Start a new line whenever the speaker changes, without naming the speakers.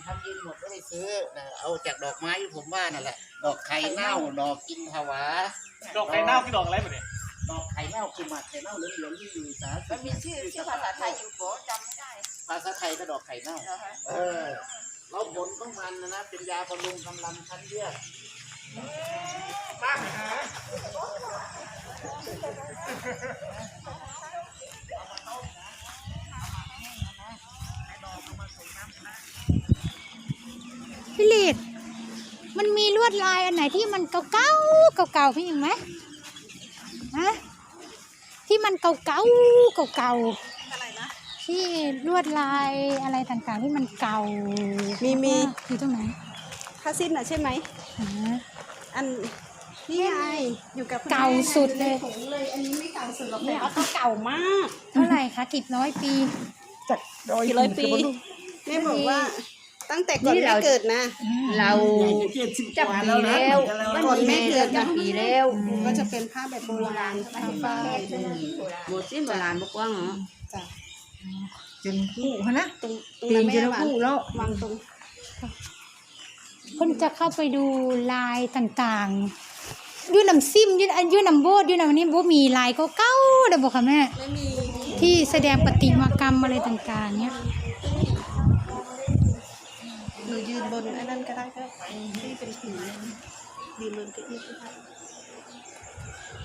ำยืนหมดไม่ได้ซื้อนะเอาจากดอกไม้ที่ผมว่านั่นแหละดอกไข่เน่าดอกกินผวา
ดอกไข่เน่าคือดอกอะไรแบบนี้
ดอกไข่เน่าคือหมากไข่เน่าเหลืองๆที่อยู่สาธารณ
มันมีชื่อภาษาไทยอยู่โบจำไม่ได้
ภาษาไทยก็ดอกไข่เน่าแล้วผลของมันนะเป็นยาบำรุงกำลังชั้นเลือดมากนะ
พี่ลีดมันมีลวดลายอันไหนที่มันเก่าๆพี่ยังไหมฮะที่มันเก่า
อะไรนะ
ที่ลวดลายอะไรต่างๆที่มันเก่า
มี
อยู่ตรงไหน
ผ้าสิ้นอ่ะใช่ไหมอันนี่ไงอยู่กับ
เก่าสุดเลย
อันนี้ไม่เก่าสุดหรอกเนี่ยเขาเก่ามาก
เท่าไหร่คะกี่ร้อยปี
จากกี่ร้อยปีแม่บอกว่าตั้งแต่ก่อนแม่เกิดนะ
เราจับปีแล้ว
ก่อนแม่เกิด
จับปีแล้ว
ก็จะเป็นผ้าแบบโบราณผ้าฝ้าย
หมดสิ้นโบราณบกว่างเหรอ
จ้ะ
จนคู่นะ
ตรง
ปี
นั้น
จ
แม่
นคู่แล้ว
วางตรง
คนจะเข้าไปดูลายต่างๆยูน้ำซิมยูน้ำโบดยูน้ำนี้โบมีลายเก่าๆเดี๋ยวบอกค่ะแม่
ไม่มี
ที่แสดงประติมากรรมอะไรต่างๆเนี้ย
หนูยืนบนไอ้นั่นก็ได้ก็ที่เป็นผียืนบนเก้าอี้ก็ได้